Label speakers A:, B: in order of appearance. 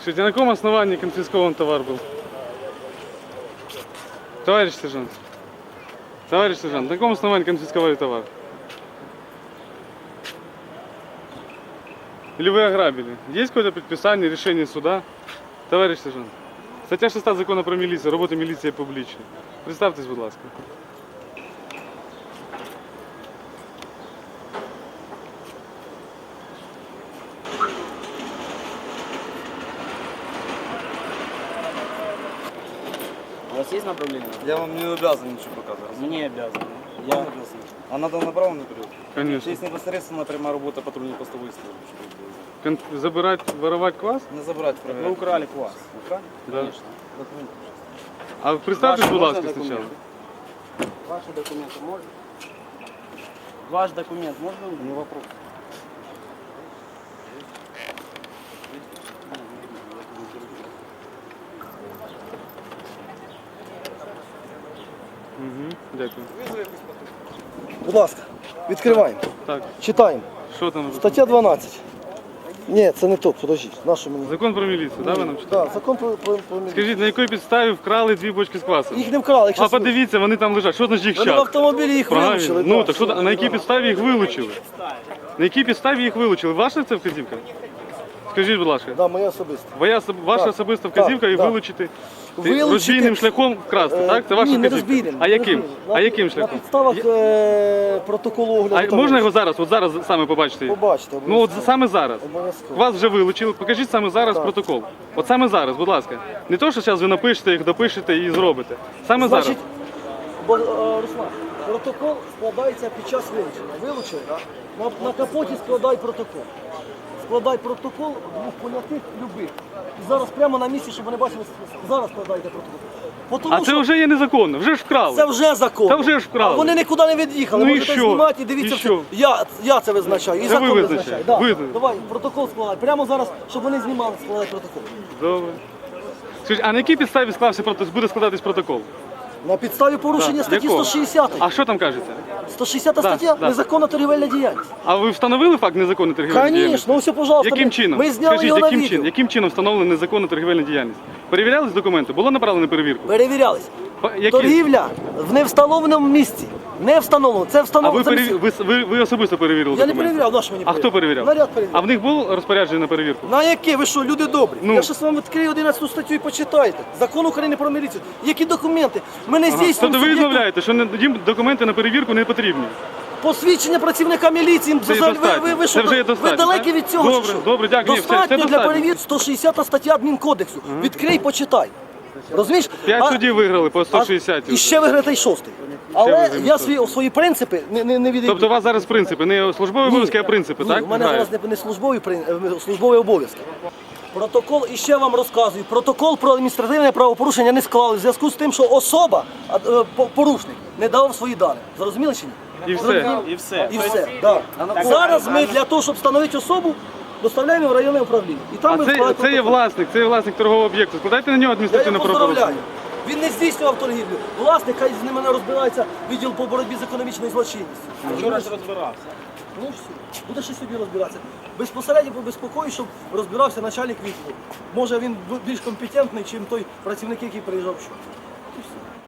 A: Скажите, на каком основании конфискован товар был? Товарищ сержант. Товарищ сержант, на каком основании конфисковали товар? Или вы ограбили? Есть какое-то предписание, решение суда? Товарищ сержант. Стаття 6 закону про міліцію, робота міліції публічна. Представтесь, будь ласка.
B: У вас есть направление?
C: Я вам не обязан ничего показывать.
B: Не обязан.
C: Я обязан. А надо направо наперед.
A: Конечно.
C: Есть непосредственно прямая работа патрульной постовой службы.
A: Забирать, воровать квас?
C: Не забрать,
B: Вы
C: проверять.
B: украли квас.
C: Украли?
A: Да.
B: Конечно.
C: Документы.
A: А представтесь,
B: Ваши
A: будь ласка,
B: можно
A: спочатку.
B: документы? Ваши документы можно? Ваш документ можно?
C: Не вопрос.
A: Угу, дякую.
D: Будь ласка, відкриваємо.
A: Так,
D: Читаємо.
A: що там?
D: Стаття 12. Ні, це не то, подождіть. Нашу мені.
A: Закон про міліцію, да, ви нам читали?
D: Так, закон про міліцію.
A: Скажіть, на якій підставі вкрали 2 бочки з квасом?
D: Їх не вкрали, їх
A: А подивіться, вони там лежать. Що значить їх
D: Вони в
A: час?
D: автомобілі їх
A: Правильно.
D: вилучили.
A: Ну,
D: да,
A: так що,
D: все,
A: на якій
D: да.
A: підставі їх вилучили? На якій підставі їх вилучили? Ваша це вказівка? Скажіть, будь лаша.
D: Да, моя особиста.
A: Ваша
D: Так,
A: особиста вказівка
D: так,
A: і
D: так.
A: вилучити
D: Вилучити-
A: розбійним шляхом вкрасти, так? Це ваша
D: Ні, не
A: вказівка.
D: розбійним.
A: А
D: не
A: яким?
D: розбійним.
A: А яким
D: На
A: шляхом?
D: підставах протоколу огляду.
A: А
D: товару.
A: можна його зараз, от зараз саме побачити?
D: Побачите.
A: Ну от саме зараз.
D: Обов'язково.
A: Вас вже вилучили, покажіть саме зараз
D: Так.
A: протокол. От саме зараз, будь ласка. Не то, що зараз ви напишете їх, допишете і зробите. Саме
D: Значить,
A: зараз.
D: Руслан, протокол складається під час вилучення. Вилучили, на капоті складай протокол. Складай протокол двох понятих любих. І зараз прямо на місці, щоб вони бачили, зараз складайте протокол. Тому
A: А це
D: що
A: вже є незаконно, вже ж вкрали.
D: це вже закон.
A: Та вже ж вкрали.
D: А вони нікуди не від'їхали.
A: Ну і
D: Можете
A: що?
D: знімати і дивіться.
A: І що?
D: Я це визначаю. І
A: Це
D: закон
A: ви
D: визначає.
A: визначаєте.
D: Да.
A: Ви-
D: Давай, протокол складай. Прямо зараз, щоб вони знімали, складай протокол.
A: Добре. Скажіть, а на якій підставі склався буде складатись протокол?
D: На підставі порушення
A: Так,
D: статті
A: якого?
D: 160.
A: А що там кажеться?
D: 160
A: Да,
D: стаття
A: да.
D: незаконна торгівельна діяльність.
A: А ви встановили факт незаконної торгівельної діяльності?
D: Звісно, ось, пожалуйста.
A: Яким чином?
D: Ми зняли
A: Скажіть,
D: його на
A: яким
D: відео.
A: чином? Яким чином встановлена незаконна торгівельна діяльність? Перевірялись документи? Було направлено на перевірку?
D: Перевірялись.
A: Які?
D: Торгівля в невстановленому місці. Не встановлено. Це
A: А
D: встановлено.
A: ви особисто перевірили
D: Я не
A: документи?
D: перевіряв, на що мені
A: А хто перевіряв?
D: Наряд перевіряв.
A: А в них було розпорядження на перевірку?
D: На яке? Ви що, люди добрі?
A: Ну.
D: Я щас вам відкрию 11 статтю і почитайте. Закон України про міліцію. Які документи? Ми не здійснюємо
A: Тобто ви
D: суб'єкту-
A: відмовляєте, що їм документи на перевірку не потрібні?
D: Посвідчення працівника міліції.
A: Це є достатньо.
D: Ви що,
A: Це вже є
D: ви
A: достатньо,
D: далекі
A: так?
D: від цього?
A: Добре,
D: чи що?
A: добре, дякую. Ні, все, це
D: Достатньо для
A: достатньо.
D: перевірки. 160 стаття адмінкодексу. Відкрий, почитай. Розумієш?
A: 5 судів виграли по 160.
D: І ще виграти й 6. Але
A: виграти
D: я
A: шостий.
D: свої принципи не відійду.
A: Тобто у вас зараз принципи, не службові обов'язки, а принципи,
D: Ні,
A: так?
D: у мене
A: грають?
D: зараз не службові обов'язки. Протокол, і ще вам розказую, протокол про адміністративне правопорушення не склали в зв'язку з тим, що особа, порушник, не дав свої дані. Зрозуміли чи ні?
A: І все.
B: И все.
D: І все. Да. Зараз ми для того, щоб встановити особу, доставляємо в районне управління. І там
A: А
D: ми
A: це
D: складаємо
A: є
D: протокол.
A: власник торгового об'єкту. Складайте на нього
D: Я
A: адміністративне
D: його
A: правопорушення.
D: поздравляю. Він не здійснював торгівлю. Власник, хай з ними не розбирається відділ по боротьбі з економічною злочинністю.
B: Вчора ж розбирався.
D: Ну все, буде ще собі розбиратися. Безпосередньо побезпокою, щоб розбирався начальник відділу. Може він більш компетентний, ніж той працівник, який приїжджав вчора.